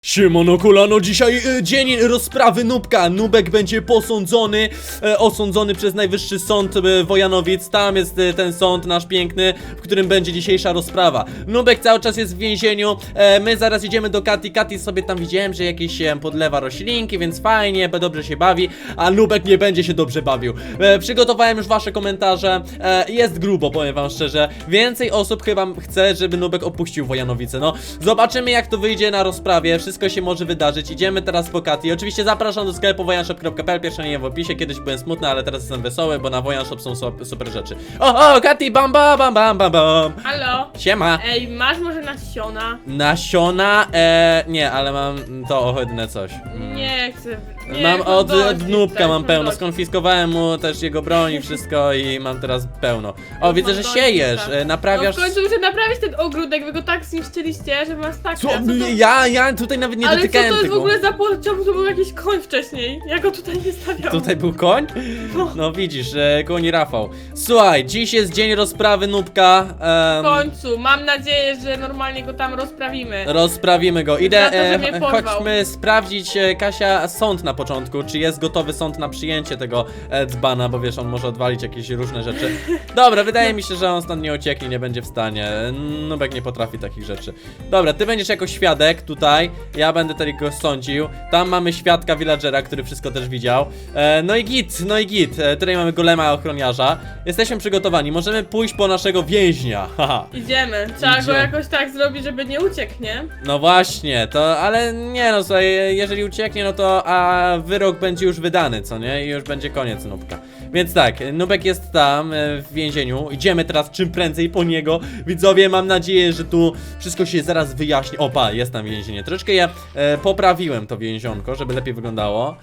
Siemano kolano, dzisiaj dzień rozprawy Nubka. Nubek będzie posądzony, osądzony przez Najwyższy Sąd Wojanowic. Tam jest ten sąd nasz piękny, w którym będzie dzisiejsza rozprawa. Nubek cały czas jest w więzieniu, my zaraz idziemy do Kati. Kati sobie tam widziałem, że jakieś podlewa roślinki, więc fajnie, dobrze się bawi. A Nubek nie będzie się dobrze bawił. Przygotowałem już wasze komentarze, jest grubo, powiem wam szczerze. Więcej osób chyba chce, żeby Nubek opuścił Wojanowice. No, zobaczymy jak to wyjdzie na rozprawie. Wszystko się może wydarzyć. Idziemy teraz po Kati. Oczywiście zapraszam do sklepu wojanshop.pl. Pierwsze nie w opisie. Kiedyś byłem smutny, ale teraz jestem wesoły, bo na Wojanshop są super rzeczy. O, Kati, bam, bam, bam, bam, bam, bam. Halo? Siema. Ej, masz może nasiona? Nasiona? Nie, ale mam to ohydne coś. Nie chcę. Nie, Mam od dość, Nubka tak, mam pełno, dość. skonfiskowałem mu też jego broń i wszystko i mam teraz pełno. O, widzę, że dość, siejesz, tak. naprawiasz... No w końcu muszę naprawić ten ogródek, wy go tak zniszczyliście, że masakra. Co? Co to... Ja tutaj nawet nie Ale co dotykałem to jest tego. w ogóle za czemu tu był jakiś koń wcześniej? Ja go tutaj nie stawiałam. Tutaj był koń? No widzisz, koń Rafał. Słuchaj, dziś jest dzień rozprawy Nubka. W końcu, mam nadzieję, że normalnie go tam rozprawimy. Rozprawimy go. Za Idę, to, że mnie porwał. chodźmy sprawdzić, Kasia, sąd na początku. Czy jest gotowy sąd na przyjęcie tego dzbana, bo wiesz, on może odwalić jakieś różne rzeczy. Dobra, wydaje mi się, że on stąd nie ucieknie, nie będzie w stanie. Nubek nie potrafi takich rzeczy. Dobra, ty będziesz jako świadek tutaj. Ja będę tutaj go sądził. Tam mamy świadka villagera, który wszystko też widział. No i git. Tutaj mamy golema ochroniarza. Jesteśmy przygotowani. Możemy pójść po naszego więźnia. Haha. Idziemy. Trzeba go Idziemy. jakoś tak zrobić, żeby nie uciekł, nie? No właśnie, ale nie no, słuchaj, jeżeli ucieknie, no to wyrok będzie już wydany, co nie? I już będzie koniec Nubka. Więc tak, Nubek jest tam w więzieniu. Idziemy teraz czym prędzej po niego. Widzowie, mam nadzieję, że tu wszystko się zaraz wyjaśni. Opa, jest tam więzienie. Troszkę ja poprawiłem to więzionko, żeby lepiej wyglądało.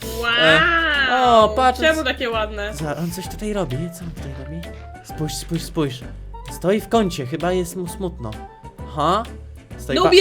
Wow! o, patrz. Czemu takie ładne? On coś tutaj robi. Co on tutaj robi? Spójrz. Stoi w kącie, chyba jest mu smutno. Aha. Stoi Lubię!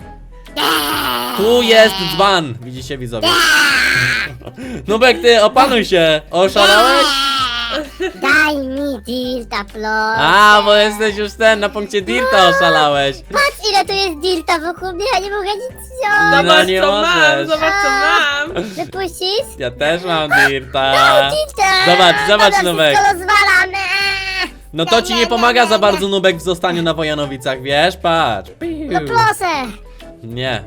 Tu jest dzban, widzicie widzowie. Nubek, ty opanuj się, oszalałeś? Daj mi dirta, plot. Bo jesteś już na punkcie dirta oszalałeś. Patrz ile tu jest dirta wokół mnie, ja nie mogę nic wziąć. No Zobacz nie co możesz. mam, zobacz co mam! Wypuścisz? Ja też mam dirta. Dirta! Zobacz Dobra, Nubek. wszystko rozwalam. No to ci nie pomaga za bardzo Nubek w zostaniu na Wojanowicach, wiesz? Patrz. No proszę. Nie.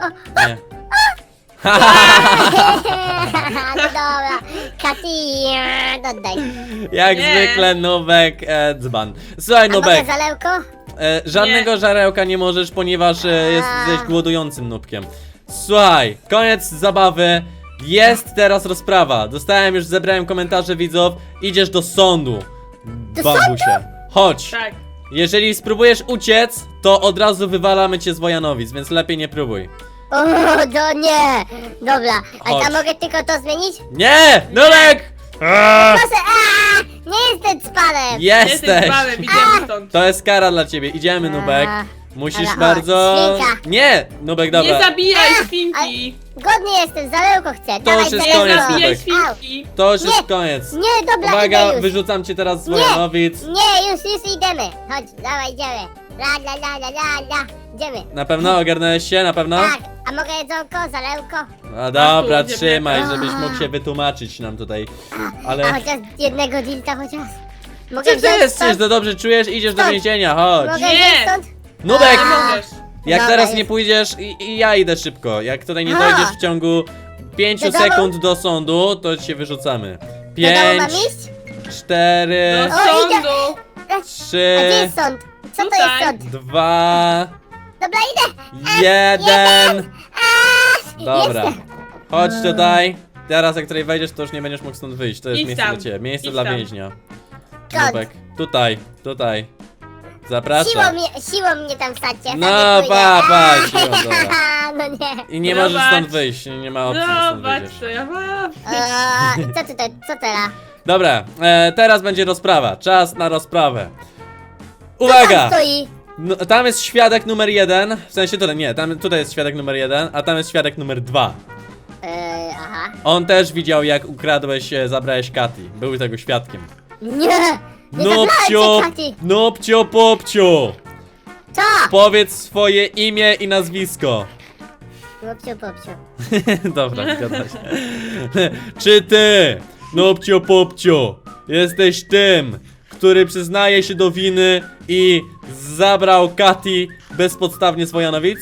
No dobra. Kati, oddaj. Jak Nie. zwykle Nubek dzban. Słuchaj A mogę Nubek, zalełko? żadnego żarełka nie możesz, ponieważ jesteś głodującym nubkiem. Słuchaj, koniec zabawy. Jest teraz rozprawa. Zebrałem komentarze widzów. Idziesz do sądu. Babusie. Chodź. Tak. Jeżeli spróbujesz uciec, to od razu wywalamy cię z Wojanowic, więc lepiej nie próbuj. O, to nie. Dobra, a Chodź. ja mogę tylko to zmienić? Nie! Nubek! Proszę, nie jestem spanem. Jesteś Jesteś! panem, idziemy stąd. To jest kara dla ciebie. Idziemy, Nubek. Musisz Dobra, bardzo... świnka. Nie! Nubek, dobra. Nie zabijaj świnki! Godnie jestem, zalełko chcę. To już jest Nie koniec, zabijaj Nubek. świnki! To już jest Nie. koniec. Nie, dobra, Uwaga, idę już. wyrzucam cię teraz z Nie. Wojanowic. Nie, już idziemy. Chodź, dawaj, idziemy. La. Idziemy. Na pewno ogarnąłeś się? Na pewno? Tak, a mogę jedzonko, zalełko? A dobra, tu, trzymaj, gdzie- żebyś mógł się wytłumaczyć nam tutaj. Ale... A chociaż jednego dilta chociaż. Mogę Czy ty wziąć jesteś, stąd? to dobrze czujesz? Idziesz do Stąd. więzienia, chodź. Mogę Nie. wziąć stąd? Nubek! Nie możesz! Jak Dobra, teraz już. nie pójdziesz i ja idę szybko. Jak tutaj nie A. dojdziesz w ciągu 5 Do domu? sekund do sądu, to cię wyrzucamy. Do domu mam 5, iść? 4, Do O, idę. sądu! A 3, gdzie jest sąd? Co to Tutaj. jest sąd? 2, Dobra, idę. 1. Dobra. Jestem. Chodź tutaj. Teraz jak tutaj wejdziesz, to już nie będziesz mógł stąd wyjść. To jest Idź miejsce tam. dla ciebie. Miejsce Idź dla tam. więźnia. Skąd? Nubek. Tutaj. Zapraszam. Siłą mnie tam wsadźcie. No, sobie pójdę. pa, siłą, dobra. No nie. I nie Zobacz. możesz stąd wyjść. Nie ma opcji, że stąd Zobacz wyjdziesz. co ja mam! Co tutaj, co teraz? Dobra, teraz będzie rozprawa. Czas na rozprawę. Co Uwaga! tam stoi? No, tam jest świadek numer 1. W sensie tutaj, nie, tutaj jest świadek numer 1, a tam jest świadek numer 2. Aha. On też widział, jak ukradłeś, zabrałeś Kati. Był tego świadkiem. Nie! Nie Nopcio, zabrałem cię, Kati. Nopcio Popcio. Co? Powiedz swoje imię i nazwisko. Popcio, popcio. Dobra, zgadza się. Czy ty, Nupcio Pupciu, jesteś tym, który przyznaje się do winy i zabrał Kati bezpodstawnie z Wojanowic?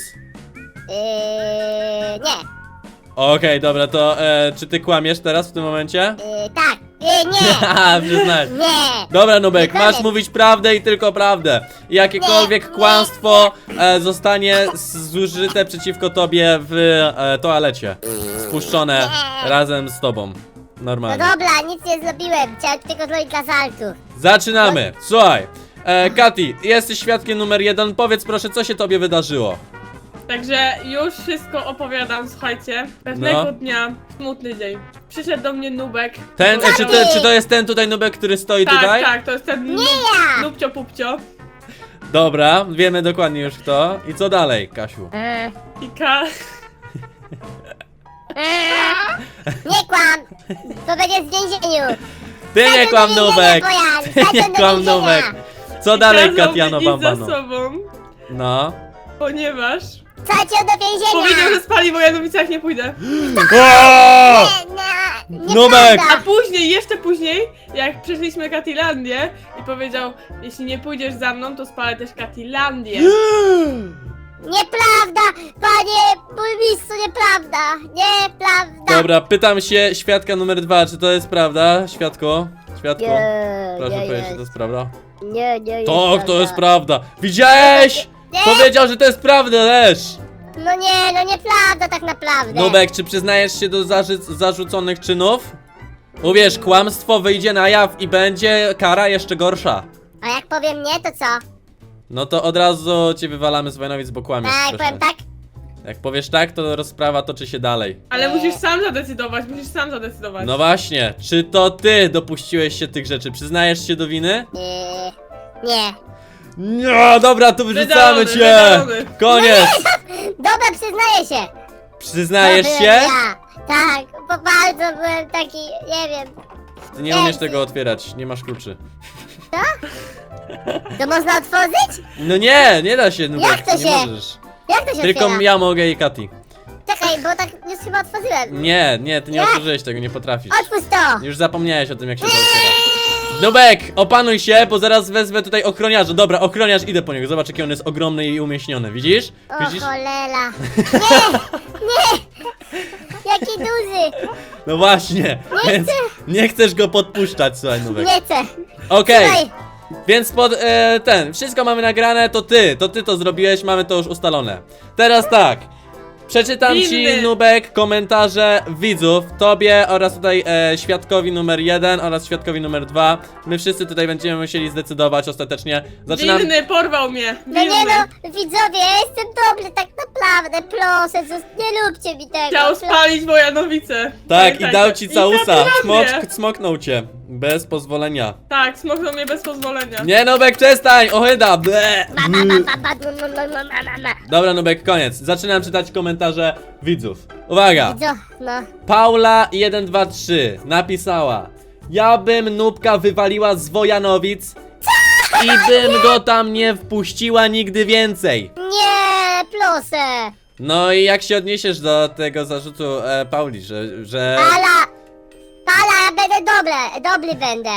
Nie. Okej, dobra, to czy ty kłamiesz teraz w tym momencie? Tak. Nie. Haha, przyznaj. Nie. Dobra, Nubek, Nie masz kłamię. mówić prawdę i tylko prawdę. Jakiekolwiek Nie. kłamstwo zostanie zużyte przeciwko tobie w toalecie. Spuszczone Nie. razem z tobą. No Normalnie. dobra, nic nie zrobiłem. Chciałem tylko zrobić dla żartu. Zaczynamy. Słuchaj, Kati, jesteś świadkiem numer 1. Powiedz proszę, co się tobie wydarzyło. Także już wszystko opowiadam, słuchajcie. Pewnego No. dnia, smutny dzień. Przyszedł do mnie Nubek. Ten, Powiedział- czy to jest ten tutaj Nubek, który stoi Tak, tutaj? tak, to jest ten ja. Nubcio Pupcio. Dobra, wiemy dokładnie już kto. I co dalej, Kasiu? I Nie kłam. To będzie w więzieniu. Ty nie kłam, Nubek! Ty nie kłam, Nubek. Nubek! Co dalej, kazał mi Katiano iść za Bambano? sobą, No. ponieważ Wsadź ją do więzienia. powiedział, że spali w Wojanowicach, nie pójdę. O! Nie, Nubek! A później, jeszcze później, jak przeszliśmy Katilandię i powiedział, jeśli nie pójdziesz za mną, to spalę też Katilandię. Nieprawda, panie burmistrzu, nieprawda. Nieprawda. Dobra, pytam się świadka numer 2, czy to jest prawda? Świadku? Świadku? Nie, Proszę nie powiedzieć, czy to jest. jest prawda? Nie, nie jest Tak, to jest prawda. prawda. Widziałeś? Nie. Powiedział, że to jest prawda, Lesz! No nie, no nieprawda tak naprawdę. Nubek, czy przyznajesz się do zarzuconych czynów? Uwierz, kłamstwo wyjdzie na jaw i będzie kara jeszcze gorsza. A jak powiem nie, to co? No to od razu cię wywalamy z Wojnowic, bo kłamiesz. Tak, proszę. powiem tak? Jak powiesz tak, to rozprawa toczy się dalej. Ale musisz sam zadecydować, musisz sam zadecydować. No właśnie, czy to ty dopuściłeś się tych rzeczy? Przyznajesz się do winy? Nie. No dobra, to wyrzucamy Wydalony, cię! wydalony. Koniec! Dobra, przyznaję się. Przyznajesz To się? byłem Ja. Tak, bo bardzo byłem taki, nie wiem. Ty nie umiesz tego otwierać, nie masz kluczy. To można otworzyć? No nie da się, Nubek, Jak to nie się? możesz. Jak to się Tylko otwiera? ja mogę i Kati. Czekaj, bo tak już chyba otworzyłem. Nie, ty nie Jak? otworzyłeś tego, nie potrafisz. Otwórz to. Już zapomniałeś o tym, jak się to otwiera. Nubek, opanuj się, bo zaraz wezmę tutaj ochroniarza. Dobra, ochroniarz, idę po niego. Zobacz, jaki on jest ogromny i umieśniony. Widzisz? O Widzisz? cholera. Nie. Jaki duży. No właśnie, więc nie chcesz go podpuszczać, słuchaj, Nubek. Nie chcę. Okej, Słuchaj, więc wszystko mamy nagrane, to ty to zrobiłeś, mamy to już ustalone. Teraz tak, przeczytam ci, Winny. Nubek, komentarze widzów, tobie oraz tutaj świadkowi numer 1 oraz świadkowi numer 2. My wszyscy tutaj będziemy musieli zdecydować ostatecznie. Zaczynam. Winny porwał mnie, no nie winny. no, widzowie, ja jestem dobry, tak naprawdę, proszę, nie róbcie mi tego. Chciał spalić Wojanowice. Tak, i Pamiętajcie. dał ci I całusa. Katilandię. Smoknął cię. Bez pozwolenia. Tak, smoknął mnie bez pozwolenia. Nie, Nubek, przestań! Ohyda! Ble. Ma. Dobra, Nubek, koniec. Zaczynam czytać komentarze widzów. Uwaga! No, Paula123 napisała: ja bym Nubka wywaliła z Wojanowic i bym go tam nie wpuściła nigdy więcej. nie, proszę. No i jak się odniesiesz do tego zarzutu Pauli, że... Pala, ja będę dobry będę.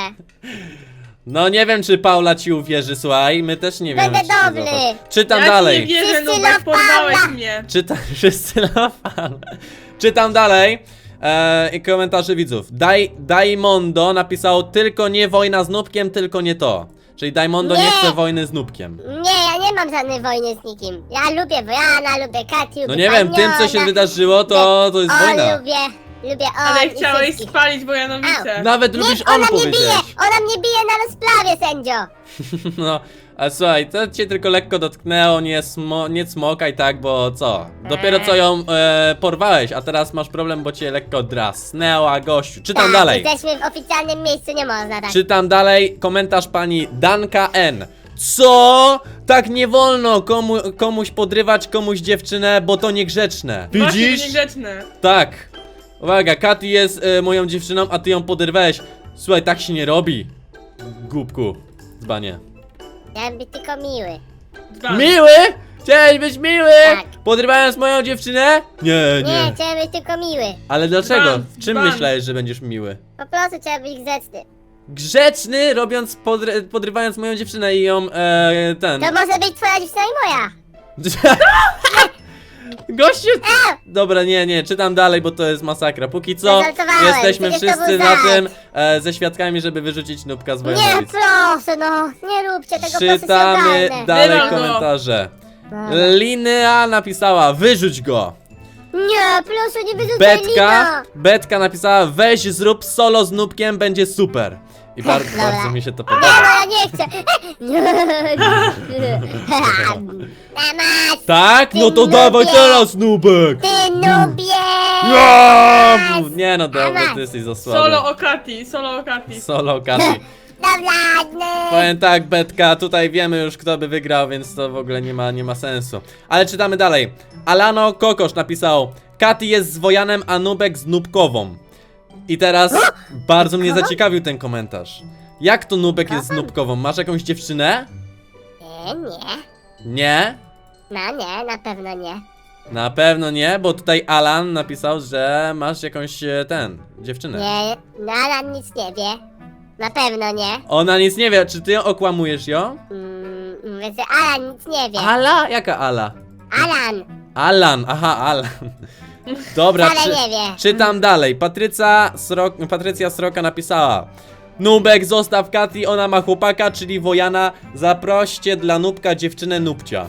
No nie wiem, czy Paula ci uwierzy, słuchaj, my też nie wiemy. Będę czy to dobry. zobacz. Czytam Ja dalej. ci nie wierzę, Wszyscy Nubek, na porwałeś pana. mnie. Czytam wszyscy na fan. Czytam dalej. I komentarze widzów. Daimondo napisał: tylko nie wojna z Nubkiem, tylko nie to. Czyli Daimondo nie Nie. chce wojny z Nubkiem. Nie, ja nie mam żadnej wojny z nikim. Ja lubię Wojana, lubię Kati, lubię No nie wiem, tym co się Paniona. wydarzyło, to jest wojna. Lubię Ale i chciałeś wszystkich. spalić Wojanowice. Nawet Nie, lubisz ona on mnie powiedzieć. bije, ona mnie bije na rozprawie, sędzio. No, a słuchaj, to cię tylko lekko dotknęło, nie cmokaj tak, bo co? Dopiero co ją porwałeś, a teraz masz problem, bo cię lekko drasnęła, gościu. Czytam Tak, dalej. jesteśmy w oficjalnym miejscu, nie można tak. Czytam dalej, komentarz pani Danka N. Co? Tak nie wolno komuś podrywać komuś dziewczynę, bo to niegrzeczne. Właśnie Widzisz? niegrzeczne. Tak. Uwaga, Kati jest moją dziewczyną, a ty ją podrywałeś. Słuchaj, tak się nie robi. Głupku. Dzbanie. Chciałem być tylko miły. Dwa. Miły? Chciałeś być miły? Tak. Podrywając moją dziewczynę? Nie, Nie, chciałem być tylko miły. Ale dlaczego? Dzban, W czym dzban. myślałeś, że będziesz miły? Po prostu chciałem być grzeczny. Grzeczny, robiąc, podrywając moją dziewczynę i ją, ten... To może być twoja dziewczyna i moja. Gościu! Dobra, nie, czytam dalej, bo to jest masakra. Póki co Zażartowałem, jesteśmy przecież to wszyscy był na żart. tym ze świadkami, żeby wyrzucić Nubka z Nie, Wojanowic. proszę, no. Nie róbcie tego, proszę, Czytamy się dalej Wyrol go. komentarze. Dobra. Linea napisała, wyrzuć go. Nie, proszę, nie wyrzucaj Lina. Betka napisała, weź zrób solo z Nubkiem, będzie super. I bardzo, Dobra. bardzo mi się to Nie, no podoba. ja nie chcę. Mamas, Tak? No to Ty dawaj nubie. teraz, Nubek! ty nubie. Ja! Nie no, dobra, ty jesteś za słaby. Solo o Kati, solo o Kati. Solo Kati. Dobra, Powiem tak, Betka, tutaj wiemy już kto by wygrał, więc to w ogóle nie ma sensu. Ale czytamy dalej. Alano Kokosz napisał, Kati jest z Wojanem, a Nubek z Nubkową. I teraz bardzo mnie zaciekawił ten komentarz. Jak to Nubek jest z Nubkową? Masz jakąś dziewczynę? Nie. Nie? No nie, na pewno nie. Na pewno nie, bo tutaj Alan napisał, że masz jakąś dziewczynę. Nie, no Alan nic nie wie. Na pewno nie. Ona nic nie wie, czy ty okłamujesz ją? Mówię, że Alan nic nie wie. Ala? Jaka Ala? Alan Alan, aha, Alan. Dobra, wcale nie wie. czytam dalej. Patrycja Sroka napisała, Nubek, zostaw Kati, ona ma chłopaka, czyli Wojana. Zaproście dla Nubka dziewczynę Nubcia.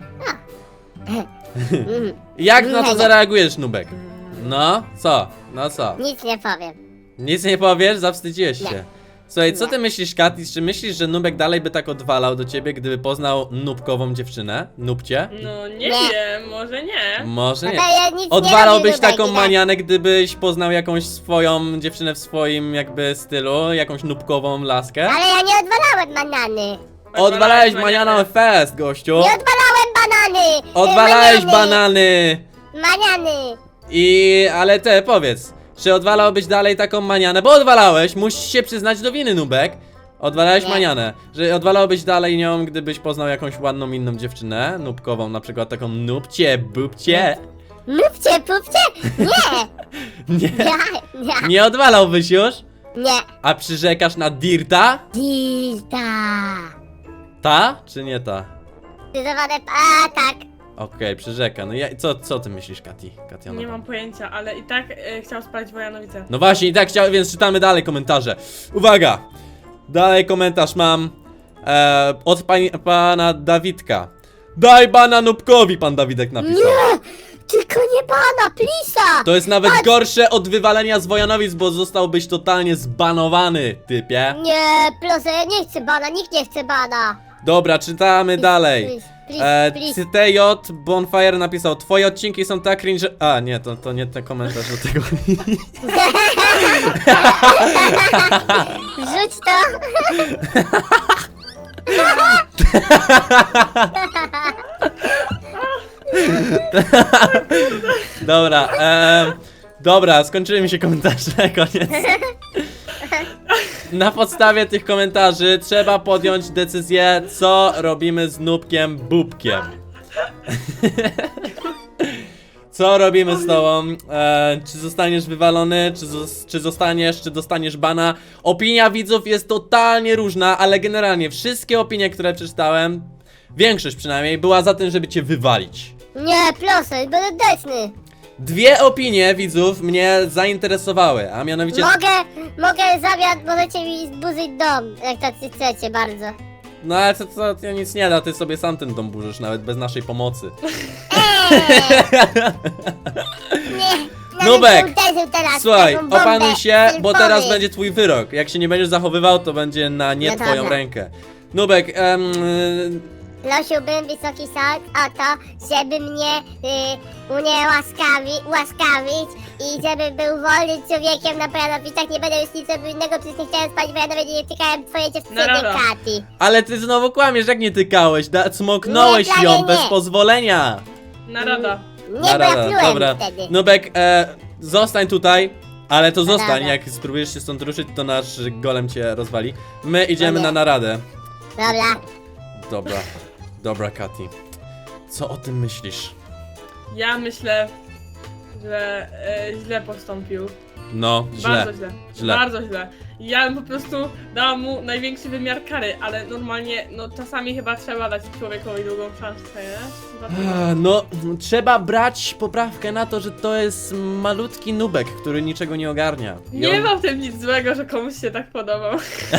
Jak na to zareagujesz, Nubek? No, co? No co? Nic nie powiem. Nic nie powiesz? Zawstydziłeś Nie. się. Słuchaj, co Nie. ty myślisz, Kati? Czy myślisz, że Nubek dalej by tak odwalał do ciebie, gdyby poznał Nubkową dziewczynę? Nubcie? No nie Nie. wiem, może nie. Może No nie. to ja nic Odwalałbyś nie robię taką Nubek, nie? manianę, gdybyś poznał jakąś swoją dziewczynę w swoim jakby stylu, jakąś nubkową laskę? Ale ja nie odwalałem banany. Odwalałeś manianą fest, gościu! Nie odwalałem banany. Odwalałeś Maniany. banany! Maniany. Ale powiedz, czy odwalałbyś dalej taką manianę? Bo odwalałeś, musisz się przyznać do winy, Nubek. Odwalałeś Nie. manianę, że odwalałbyś dalej nią, gdybyś poznał jakąś ładną inną dziewczynę, nubkową, na przykład taką nubcie, bubcie. Nubcie, pupcie? Nie. Nie, Nie. nie odwalałbyś już? Nie. A przyrzekasz na Dilta. Ta, czy nie ta? Zdecydowane. A, tak. Okej, przyrzeka. No co ty myślisz, Katia? Nie mam pojęcia, ale i tak chciał spalić Wojanowice. No właśnie, i tak chciałem, więc czytamy dalej komentarze. Uwaga! Dalej komentarz mam od pana Dawidka. Daj bana Nubkowi, pan Dawidek napisał. Nie. Tylko nie pana, plisa. To jest nawet gorsze od wywalenia z Wojanowic, bo zostałbyś totalnie zbanowany, typie. Nie, proszę, ja nie chcę bana, nikt nie chce bana. Dobra, czytamy dalej. Please. TJ Bonfire napisał, twoje odcinki są tak cringe... A, nie, to nie ten komentarz do tego. Rzuć to. Dobra, dobra, skończyły mi się komentarze, koniec. Na podstawie tych komentarzy trzeba podjąć decyzję, co robimy z Nubkiem Bubkiem. Co robimy z tobą? Czy zostaniesz wywalony, czy dostaniesz bana? Opinia widzów jest totalnie różna, ale generalnie wszystkie opinie, które przeczytałem, większość przynajmniej, była za tym, żeby cię wywalić. Nie, proszę, będę deczny. Dwie opinie widzów mnie zainteresowały, a mianowicie... Mogę zamiast, możecie mi zburzyć dom, jak tacy chcecie bardzo. No ale to nic nie da, ty sobie sam ten dom burzysz, nawet bez naszej pomocy. Nie, Nubek, nawet nie uderzył teraz w Słuchaj, taką bombę opanuj się, bo sylfowy. teraz będzie twój wyrok. Jak się nie będziesz zachowywał, to będzie na nie No twoją dobra. rękę. Nubek, Prosiłbym Wysoki Sąd o to, żeby mnie ułaskawić i żebym był wolnym człowiekiem na Pojanowicach. Nie będę już nic robił innego, przecież nie chciałem spać w Janowie, nie tykałem twojej dziewczyny, Narada. Kati. ale ty znowu kłamiesz, jak nie tykałeś, cmoknąłeś Nie, ją nie. bez pozwolenia. Narada. Nie, bo ja plułem dobra. wtedy. Nubek, zostań tutaj, ale to zostań, Naradę. jak spróbujesz się stąd ruszyć, to nasz golem cię rozwali. My idziemy nie. na naradę. Dobra. Dobra, Kati. Co o tym myślisz? Ja myślę, że źle postąpił. No, źle. Bardzo źle. Źle. Bardzo źle. Ja bym po prostu dała mu największy wymiar kary, ale normalnie, no czasami chyba trzeba dać człowiekowi drugą szansę, nie? No, trzeba brać poprawkę na to, że to jest malutki nubek, który niczego nie ogarnia. I Nie on- ma w tym nic złego, że komuś się tak podobał.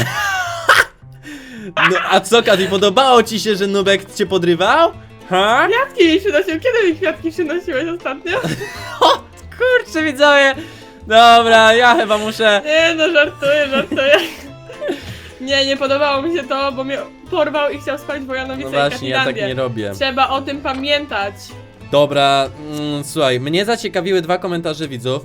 No, a co, Kati, podobało ci się, że nubek cię podrywał? Ha? Kwiatki mi przynosił. Kiedy mi kwiatki przynosiłeś ostatnio? Kurczę, widzowie! Dobra, ja chyba muszę... Nie no, żartuję. Nie podobało mi się to, bo mnie porwał i chciał spalić Wojanowicę No i właśnie, ja tak Katilandię. nie robię. Trzeba o tym pamiętać. Dobra, słuchaj, mnie zaciekawiły 2 komentarze widzów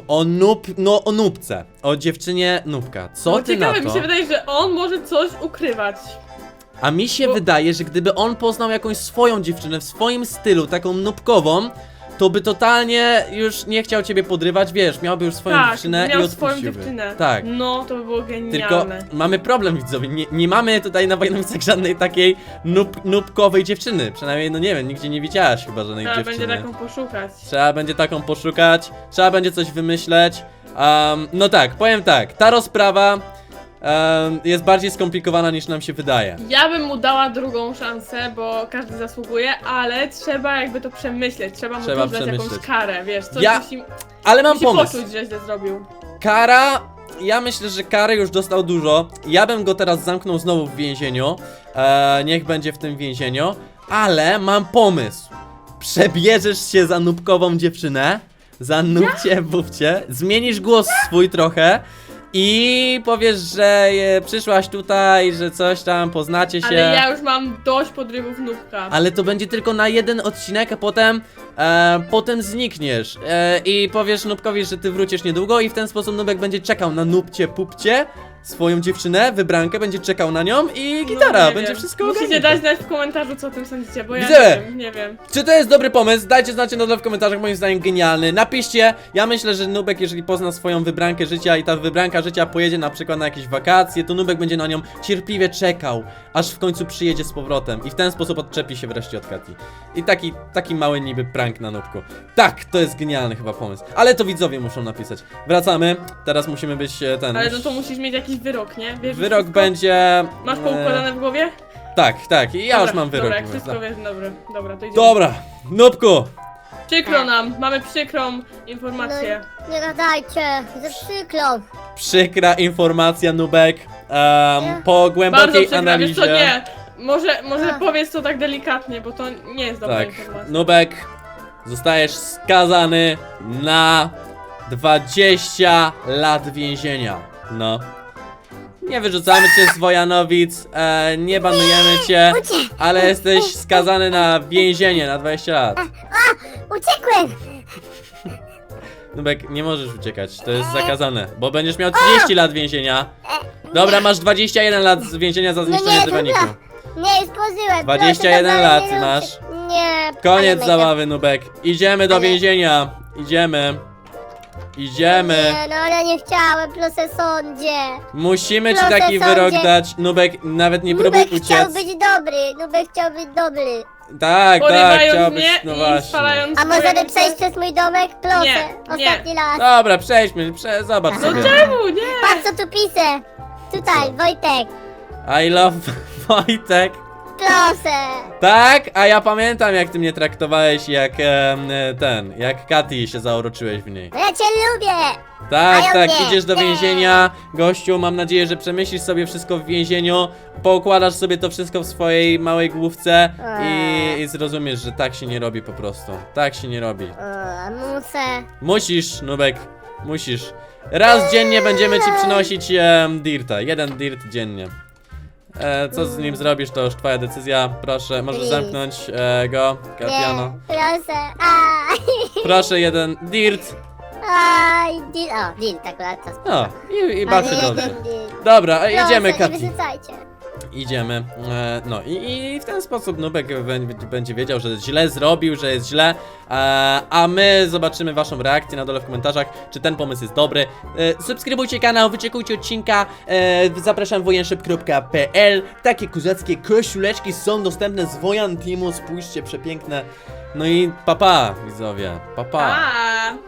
o nubce, o dziewczynie nubka. Co No, ty na ciekawe, to? mi się wydaje, że on może coś ukrywać. A mi się Bo- wydaje, że gdyby on poznał jakąś swoją dziewczynę w swoim stylu, taką nubkową, to by totalnie już nie chciał ciebie podrywać, wiesz, miałby już swoją Tak, dziewczynę miał i swoją odpuściłby. dziewczynę. Tak. No, to by było Tylko genialne. mamy problem, widzowie, nie mamy tutaj na Wojnowicach żadnej takiej nubkowej dziewczyny. Przynajmniej, no nie wiem, nigdzie nie widziałaś chyba żadnej Trzeba dziewczyny. będzie taką poszukać. Trzeba będzie taką poszukać, trzeba będzie coś wymyśleć. No tak, powiem tak, ta rozprawa jest bardziej skomplikowana niż nam się wydaje. Ja bym mu dała drugą szansę, bo każdy zasługuje, ale trzeba jakby to przemyśleć. Trzeba mu Trzeba dać jakąś przemyśleć. karę, wiesz, coś Ja musi, Ale mam musi pomysł. poczuć, że źle zrobił. Kara, ja myślę, że kary już dostał dużo. Ja bym go teraz zamknął znowu w więzieniu. Niech będzie w tym więzieniu. Ale mam pomysł. Przebierzesz się za nubkową dziewczynę, za nubcie bubcie, zmienisz głos swój trochę i powiesz, że przyszłaś tutaj, że coś tam, poznacie się. Ale ja już mam dość podrywów Nubka. Ale to będzie tylko na jeden odcinek, a potem znikniesz i powiesz Nubkowi, że ty wrócisz niedługo i w ten sposób Nubek będzie czekał na Nubcie Pupcie, swoją dziewczynę, wybrankę, będzie czekał na nią i gitara, No, nie będzie wiem. wszystko Musicie ogarnięte. dać znać w komentarzu, co o tym sądzicie, bo ja Widzę. nie wiem. Czy to jest dobry pomysł? Dajcie znać na dole w komentarzach, moim zdaniem genialny. Napiszcie, ja myślę, że Nubek, jeżeli pozna swoją wybrankę życia i ta wybranka życia pojedzie na przykład na jakieś wakacje, to Nubek będzie na nią cierpliwie czekał, aż w końcu przyjedzie z powrotem i w ten sposób odczepi się wreszcie od Kati. I taki mały niby prank na Nubku. Tak, to jest genialny chyba pomysł, ale to widzowie muszą napisać. Wracamy, teraz musimy być Ale no to musisz mieć jakiś wyrok, nie? Wiesz Wyrok wszystko? będzie... Masz poukładane w głowie? Tak, i ja Dobra, już mam wyrok. Dobra, jak w wszystko głowie. wiesz, dobra, to idziemy. Dobra, Nubku! Przykro nam, mamy przykrą informację. Nie gadajcie, ze przykro. Przykra informacja, Nubek. Po Bardzo głębokiej przykro, wiesz analizie. co, nie. Może Ach. powiedz to tak delikatnie, bo to nie jest dobra Tak, informacja. Nubek, zostajesz skazany na 20 lat więzienia. No. Nie wyrzucamy cię z Wojanowic, nie banujemy cię, ale jesteś skazany na więzienie na 20 lat. Uciekłem! Nubek, nie możesz uciekać, to jest zakazane, bo będziesz miał 30 lat więzienia. Dobra, masz 21 lat więzienia za zniszczenie nie, dywaniku. dobra. Nie, już pożyłem. 21 proszę, lat nie masz. róbcie. Nie. Koniec ale zabawy, Nubek. Idziemy do Ale- więzienia. Idziemy. Nie, no ale nie chciałem, proszę sądzie. Musimy ci Proszę, taki sądzie. wyrok dać. Nubek, nawet nie próbuj Nubek chciał uciec. być dobry, Nubek chciał być dobry. Tak, Porywając chciałbyś, mnie no i właśnie. spalając A możemy moje przejść ręce. przez mój domek? Proszę, Nie, ostatni raz. Dobra, przejdźmy, zobacz No No sobie. czemu, nie? Patrz co tu piszę. Tutaj, Wojtek. I love Wojtek. Proszę. Tak, a ja pamiętam jak ty mnie traktowałeś jak jak Katy się zauroczyłeś w niej. No ja cię lubię. Tak, A ja tak, nie, idziesz do nie. więzienia, gościu, mam nadzieję, że przemyślisz sobie wszystko w więzieniu, poukładasz sobie to wszystko w swojej małej główce i zrozumiesz, że tak się nie robi po prostu. Tak się nie robi. Muszę. Musisz, Nubek, musisz. Raz dziennie będziemy ci przynosić dirta, 1 dirt dziennie. Co z nim zrobisz, to już twoja decyzja. Proszę, możesz Please. zamknąć go, Katiano. Nie, proszę. Aj. Proszę, 1 dirt. Aj, deal. O, deal, tak akurat to. No, i bardzo Ale dobrze. jeden deal. Dobra, Proszę, idziemy, nie Kati. wyrzucajcie. idziemy. No i w ten sposób Nubek będzie wiedział, że źle zrobił, że jest źle. A my zobaczymy waszą reakcję na dole w komentarzach, czy ten pomysł jest dobry. Subskrybujcie kanał, wyczekujcie odcinka. Zapraszam wojanszyb.pl. Takie kozackie koszuleczki są dostępne z Wojan Teamu. Spójrzcie, przepiękne. No i papa, widzowie. Papa. A.